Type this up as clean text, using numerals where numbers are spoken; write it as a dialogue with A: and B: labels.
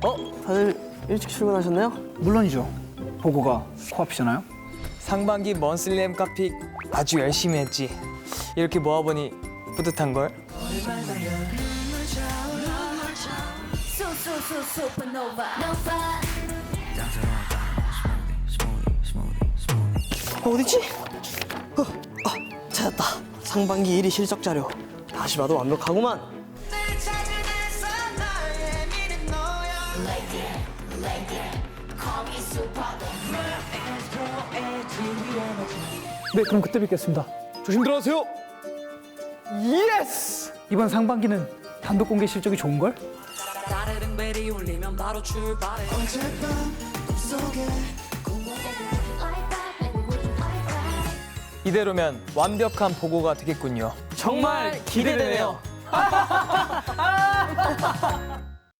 A: 다들 일찍 출근하셨나요?
B: 물론이죠. 보고가 코앞이잖아요.
C: 상반기 먼슬리 엠카픽 아주 열심히 했지. 이렇게 모아보니 뿌듯한걸?
A: 어디지? 찾았다. 상반기 1위 실적 자료. 다시 봐도 완벽하구만.
B: 네, 그럼 그때 뵙겠습니다.
C: 조심 들어가세요.
B: 예스! 이번 상반기는 단독 공개 실적이 좋은걸?
D: 따르릉 벨이 울리면 바로 출발해.
C: 이대로면 완벽한 보고가 되겠군요.
A: 정말 기대되네요.